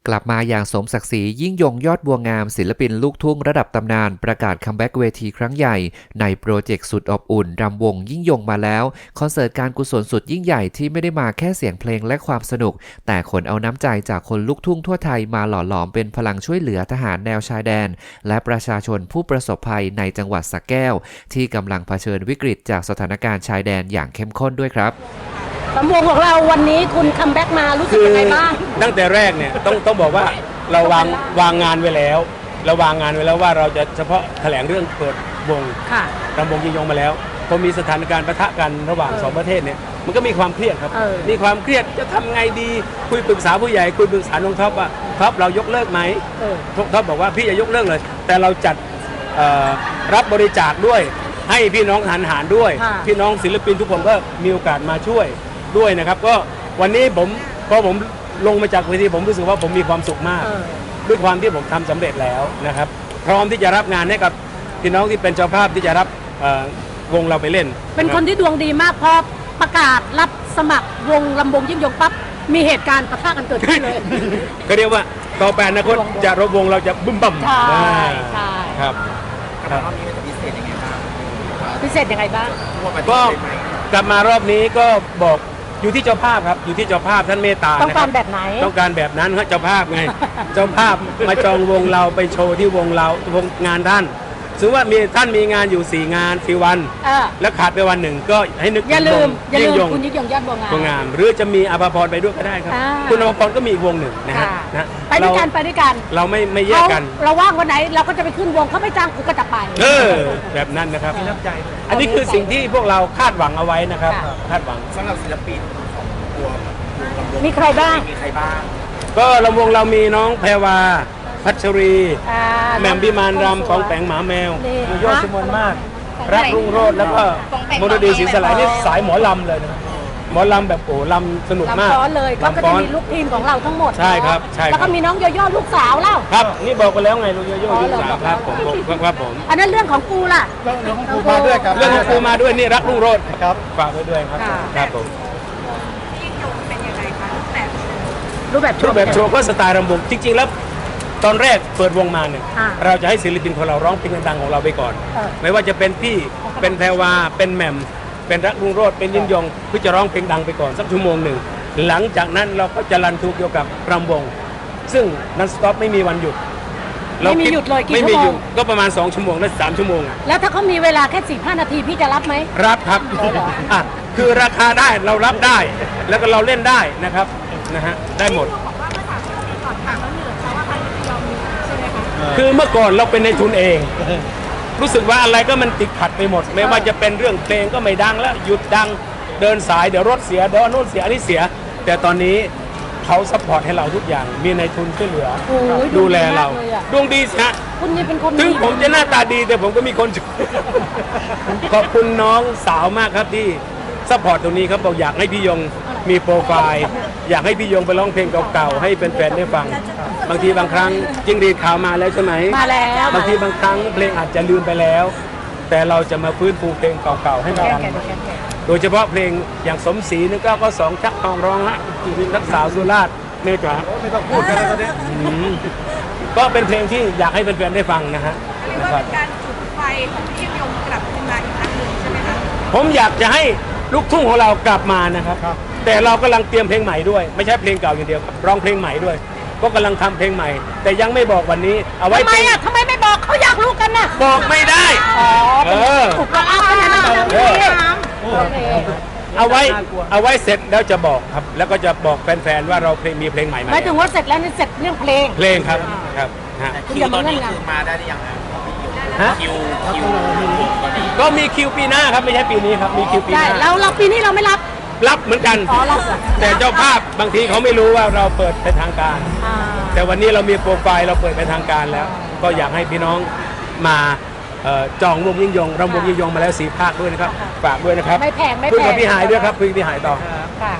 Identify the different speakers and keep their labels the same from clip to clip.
Speaker 1: กลับมาอย่างสมศักดิ์ศรียิ่งยงยอดบัวงามศิลปินลูกทุ่งระดับตำนานประกาศคัมแบ็กเวทีครั้งใหญ่ในโปรเจกต์สุดอบอุ่นรำวงยิ่งยงมาแล้วคอนเสิร์ตการกุศลสุดยิ่งใหญ่ที่ไม่ได้มาแค่เสียงเพลงและความสนุกแต่ขนเอาน้ำใจจากคนลูกทุ่งทั่วไทยมาหล่อหลอมเป็นพลังช่วยเหลือทหารแนวชายแดนและประชาชนผู้ประสบภัยในจังหวัดสระแก้วที่กำลังเผชิญวิกฤตจากสถานการณ์ชายแดนอย่างเข้มข้นด้วยครับ
Speaker 2: ลำวงของเราวันนี้คุณคัมแบ็กมารู้สึกยังไงบ้าง
Speaker 3: ตั้งแต่แรกเนี่ยต้องบอกว่าเราวางงานไว้แล้วว่าเราจะเฉพาะแถลงเรื่องเปิดวงรำวงยิ่งยงมาแล้วพอมีสถานการณ์ปะทะกันระหว่างสองประเทศเนี่ยมันก็มีความเครียดครับมีความเครียดจะทำไงดีคุยปรึกษาผู้ใหญ่คุยปรึกษาน้องท็อปว่าท็อปเรายกเลิกไหมท็อปบอกว่าพี่อย่ายกเลิกเลยแต่เราจัดรับบริจาคด้วยให้พี่น้องทหารด้วยพี่น้องศิลปินทุกคนก็มีโอกาสมาช่วยด้วยนะครับก็วันนี้พอผมลงมาจากเวทีผมรู้สึกว่าผมมีความสุขมากด้วยความที่ผมทำสำเร็จแล้วนะครับพร้อมที่จะรับงานให้กับพี่น้องที่เป็นเจ้าภาพที่จะรับวงเราไปเล่น
Speaker 2: เป็นคนที่ดวงดีมากพอประกาศรับสมัครวงลำวงยิ่งยงปั๊บมีเหตุการณ์ปะทะกันเกิดขึ้นเลย
Speaker 3: ก็เรียกว่าต่อไปอนาคตจะรบวงเราจะบึ้มบั่ม
Speaker 2: ใช่
Speaker 3: ครับ
Speaker 4: รอบนี้มันจะพิเศษยังไงบ้าง
Speaker 3: ก็กลับมารอบนี้ก็บอกอยู่ที่เจ้าภาพครับอยู่ที่เจ้าภาพท่านเมตตา
Speaker 2: ต้องการแบบไหน
Speaker 3: ต้องการแบบนั้นครับเจ้าภาพไงเจ้าภาพมาจองวงเราไปโชว์ที่วงเราวงงานท่านสมมติว่าท่านมีงานอยู่4 งาน4 วันแล้วขาดไปวันหนึ่งก็ให้นึก
Speaker 2: อย่าลืม
Speaker 3: คุณ
Speaker 2: ยิ่งยงยอดบัวงาม
Speaker 3: หรือจะมีอภพรไปด้วยก็ได้ครับคุณอภพรก็มีอีกวงหนึ่งนะฮะ
Speaker 2: ไปด้วยกัน
Speaker 3: เราไม่แยกกัน
Speaker 2: เราว่างวันไหนเราก็จะไปขึ้นวงเขาไม่จ้างกูก็จะไป
Speaker 3: แบบนั้นนะครับอันนี้คือสิ่งที่พวกเราคาดหวังเอาไว้นะครับคาดหวัง
Speaker 4: สำหรับศิลปินตัว
Speaker 2: มีใครบ้าง
Speaker 3: ก็ลำวงเรามีน้องแพรวาพัชรีแหม่มพิมานรำของแปงหมาแมวยอดชมนมากรักรุ่งโรจน์แล้วก็มรดีศรีสลายนี่สายหมอลำเลยนะหมอลำแบบโอ้ลำสนุกมาก
Speaker 2: ลำฟ้อนเลยก็จะมีลูกทีมของเราทั้งหมด
Speaker 3: ใช่ครับใช่
Speaker 2: แล้วก็มีน้องโยโย่ลูกสาวเล่า
Speaker 3: ครับนี่บอกไปแล้วไงลูกโยโย่ลูกสาวครับผม
Speaker 2: อันนั้นเรื่องของกูล่ะ
Speaker 4: เรื่องของกูมาด้วยครับ
Speaker 3: เรื่องของกูมาด้วยนี่รักรุ่งโรจน์ครับฝากไว้ด้วยครับครับผม
Speaker 2: ยิ่งยงเป็นยังไงคะรูปแบบ
Speaker 3: โชว์ก็สไตล์รำวงจริงๆแล้วตอนแรกเปิดวงมาเนี่ยเราจะให้ศิลปินของเราร้องเพลงดังๆของเราไปก่อนไม่ว่าจะเป็นพี่เป็นแพรวาเป็นแหม่มเป็นรักรุ่งโรจน์เป็นยิ่งยงเพื่อจะร้องเพลงดังไปก่อนสักชั่วโมงหนึ่งหลังจากนั้นเราก็จะรันทูเกี่ยวกับรำวงซึ่งนันสต็อปไม่มีวันหยุด
Speaker 2: ไม่มีหยุดเลยกี่ชั่วโมง
Speaker 3: ก็ประมาณ2 ชั่วโมงและ3 ชั่วโมง
Speaker 2: แล้วถ้าเขามีเวลาแค่15 นาทีพี่จะรับไหม
Speaker 3: รับครับคือราคาได้เรารับได้แล้วก็เราเล่นได้นะครับนะฮะได้หมดคือเมื่อก่อนเราเป็นในทุนเองรู้สึกว่าอะไรก็มันติดขัดไปหมดไม่ว่าจะเป็นเรื่องเพลงก็ไม่ดังแล้วหยุดดังเดินสายเดี๋ยวรถเสียเดี๋ยวโน่นเสียอันนี้เสียแต่ตอนนี้เขาซัพพอร์ตให้เราทุกอย่างมีในทุนช่วยเหลือดูแลเราดวงดีฮะ
Speaker 2: คุณนี่เป็นคน
Speaker 3: ถึงผมจะหน้าตาดีแต่ผมก็มีคนช่วยขอบคุณน้องสาวมากครับที่ซัพพอร์ตตรงนี้ครับบอกอยากให้พี่ยงมีโปรไฟล์อยากให้พี่ยงไปร้องเพลงเก่าๆให้แฟนๆได้ฟังบางทีบางครั้งจิ้งหรีดขาวมาแล้วใช่ไหม
Speaker 2: มาแล้ว
Speaker 3: บางทีบางครั้งเพลงอาจจะลืมไปแล้วแต่เราจะมาฟื้นฟูเพลงเก่าๆให้มันดังโดยเฉพาะเพลงอย่างสมศรี1992ชักทองร้องฮะนักสาวสุราษฎร์เมฆา
Speaker 4: ไม่ต้องพูดกันแล้วตอนนี้
Speaker 3: ก็เป็นเพลงที่อยากให้แฟนๆได้ฟังนะฮะ
Speaker 5: ว่าเป็นการจุดไฟของพี่ยิ่งยงกลับมาอีกครั้งหนึ่งใช่ไหมคะ
Speaker 3: ผมอยากจะให้ลูกทุ่งของเรากลับมานะครับแต่เรากำลังเตรียมเพลงใหม่ด้วยไม่ใช่เพลงเก่าอย่างเดียวร้องเพลงใหม่ด้วยก็กำลังทำเพลงใหม่แต่ยังไม่บอกวันนี้เอาไว้
Speaker 2: ทำไมไม่บอกเขาอยากรู้กันน่ะ
Speaker 3: บอกไม่ได้
Speaker 2: อุปกรณ์อะไรนะ
Speaker 3: เอาไว้เสร็จแล้วจะบอกครับแล้วก็จะบอกแฟนๆว่าเรามีเพลงใหม่
Speaker 2: หมายถึงว่าเสร็จแล้วนี่เสร็จเรื่องเพลง
Speaker 3: ครับ
Speaker 4: คิวตอนนี้คือมาได้หรือยังคิว
Speaker 3: ก็มีคิวปีหน้าครับไม่ใช่ปีนี้ครับมีคิวปีหน้า
Speaker 2: แล้วเราปีนี้เราไม่
Speaker 3: รับเหมือนกันแต่เจ้าภาพบางทีเขาไม่รู้ว่าเราเปิดเป็นทางการแต่วันนี้เรามีโปรไฟล์เราเปิดเป็นทางการแล้วก็อยากให้พี่น้องมาจองวงยิ่งยงรำวงยิ่งยงมาแล้ว4 ภาคด้วยนะครับฝากด้วยนะครับ
Speaker 2: ไม่แพง
Speaker 3: คุยกับพี่หายด้วยครับคุยกับพี่หายต่อ
Speaker 5: วัน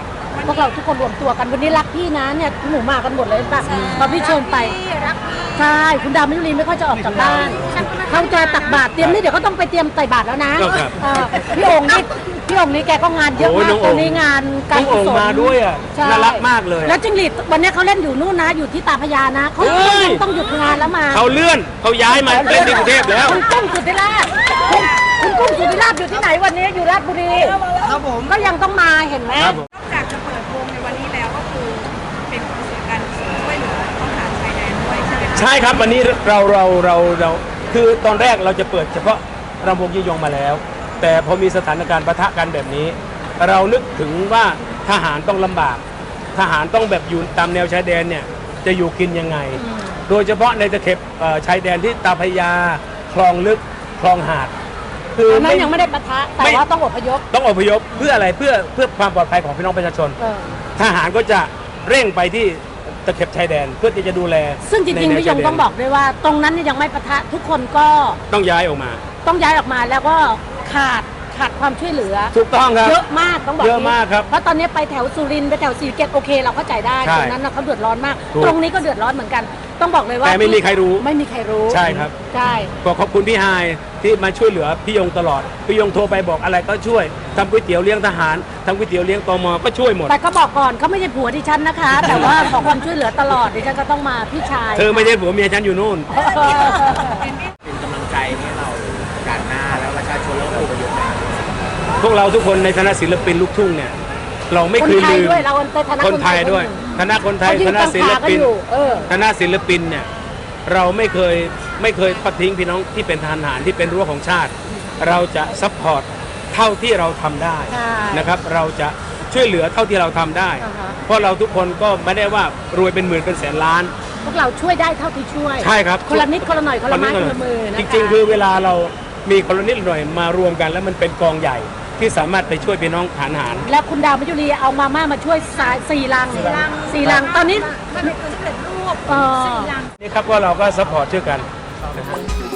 Speaker 2: วกเราทุกคนรวมตัวกันวันนี้รักพี่นะเนี่ยหนูมากันหมดเลยป่ะพอพี่เชิญไปใช่คุณดาวมยุรีไม่ค่อยจะออกจากบ้านเขาจะตักบาตรเตรียมนี่เดี๋ยวก็ต้องไปเตรียมใส่บาตรแล้วนะพี่องค์นี่แกก็งานเยอะมากตรงนี้งานการ
Speaker 3: น้องโอ่งมาด้วยอ่ะ
Speaker 2: ใช่
Speaker 3: น่ารักมากเลย
Speaker 2: แล้วจิงหรีดวันนี้เขาเล่นอยู่นู่นนะ อยู่ที่ตาพญานะเขาต้องหยุดงานแล้วมา
Speaker 3: เขาเลื่อนเขาย้ายมาเล่นที่กรุงเทพแล้ว
Speaker 2: คุณกุ้งสุธิราชคุณกุ้งสุธิราชอยู่ที่ไหนวันนี้อยู่ราชบุรี
Speaker 4: ครับผม
Speaker 2: ก็ยังต้องมาเห็นไหม
Speaker 3: ครับผม
Speaker 5: นอกจากจะเปิดวงในวันนี้แล้วก็คือเป็นคอนเสิร์ตการช่วยเหลือทหารชายแดนด้วยใช่ไหมคะ
Speaker 3: ใช่ครับวันนี้เราคือตอนแรกเราจะเปิดเฉพาะรำวงยี่ยงมาแล้ว แต่พอมีสถานการณ์ปะทะกันแบบนี้ เรานึกถึงว่าทหารต้องลำบาก ทหารต้องแบบอยู่ตามแนวชายแดนเนี่ยจะอยู่กินยังไง โดยเฉพาะในตะเข็บชายแดนที่ตาพญาคลองลึกคลองหาด คือ
Speaker 2: ตอนนั้นยังไม่ได้ปะทะแต่ว่าต้องอพยพ
Speaker 3: ต้องอพยพเพื่ออะไรเพื่อความปลอดภัยของพี่น้องประชาชน
Speaker 2: เออ
Speaker 3: ทหารก็จะเร่งไปที่ตะเข็บชายแดนเพื่อที่จะดูแล
Speaker 2: ซึ่งจริงๆ
Speaker 3: ใน
Speaker 2: พี่ยง
Speaker 3: ชาแดน
Speaker 2: ต้องบอกด้วยว่า ตรงนั้นเนี่ยยังไม่ปะทะทุกคนก็
Speaker 3: ต้องย้ายออกมา
Speaker 2: ต้องย้ายออกมาแล้วก็ขาดความช่วยเหลือ
Speaker 3: ถูกต้องครับ
Speaker 2: เยอะมากต้องบอก
Speaker 3: เยอะมากครับ
Speaker 2: เพราะตอนนี้ไปแถวสุรินทร์ไปแถวศรีสะเกษโอเคเราเข้าใจได้
Speaker 3: ใช่
Speaker 2: ตรงนั้นนะเขาเดือดร้อนมาก
Speaker 3: ถูก
Speaker 2: ตรงนี้ก็เดือดร้อนเหมือนกัน ต้องบอกเลยว่า
Speaker 3: แต่ไม่มีใครรู้
Speaker 2: ไม่มีใครรู้
Speaker 3: ใช่ครับ
Speaker 2: ใช่
Speaker 3: ก็ขอบคุณพี่ไฮายที่มาช่วยเหลือพี่ยงตลอดพี่ยงโทรไปบอกอะไรก็ช่วยทำก๋วยเตี๋ยวเลี้ยงทหารทำก๋วยเตี๋ยวเลี้ยงตมก็ช่วยหมด
Speaker 2: แต่ก็บอกก่อนเขาไม่ใช่ผัวดิฉันนะคะ แต่ว่าขอความช่วยเหลือตลอดดิฉันก็ต้องมาพี่ชาย
Speaker 3: เธอไม่ใช่ผัวเมียฉันอยู่นู่น
Speaker 4: เป็นกำลังใจให้เราการหน้าแล้วประชาชนแล้วก็อพยพนะ
Speaker 3: พวกเราทุกคนในฐานะศิลปินลูกทุ่งเนี่ยเราไม่
Speaker 2: คน
Speaker 3: เคย
Speaker 2: ไทย
Speaker 3: ลืม
Speaker 2: ด้วยเราในฐานะ
Speaker 3: คนไทยด้วยคณะคนไทย
Speaker 2: เขายื
Speaker 3: คน ณะศิล
Speaker 2: กลางๆกัน
Speaker 3: ปิน
Speaker 2: อยู่
Speaker 3: คณะศิลปินเนี่ยเราไม่เคยทอดทิ้งพี่น้องที่เป็นทหารที่เป็นรั้วของชาติ เราจะซัพพอร์ตเท่าที่เราทำได้
Speaker 2: ใช่
Speaker 3: นะครับเราจะช่วยเหลือเท่าที่เราทำได้
Speaker 2: อ่าฮะ
Speaker 3: เพราะเราทุกคนก็ไม่ได้ว่ารวยเป็นหมื่นเป็นแสนล้าน
Speaker 2: พวกเราช่วยได้เท่าที่ช่วย
Speaker 3: ใช่ครับ
Speaker 2: คนละนิดคนละหน่อยคนละไม้คนละมือนะคะ
Speaker 3: จริงๆ คือเวลาเรามีคนละนิดหน่อยมารวมกันแล้วมันเป็นกองใหญ่ที่สามารถไปช่วยพี่น้องฐานทหาร
Speaker 2: แล้วคุณดาวมยุรีเอามาม่ามาช่วยสี่ลังตอนนี้
Speaker 5: มันเป็นสำเร็จรูป
Speaker 2: เออ
Speaker 5: 4 ลัง
Speaker 3: นี่ครับว่าเราก็ซัพพอร์ตช่วยกัน
Speaker 4: คือ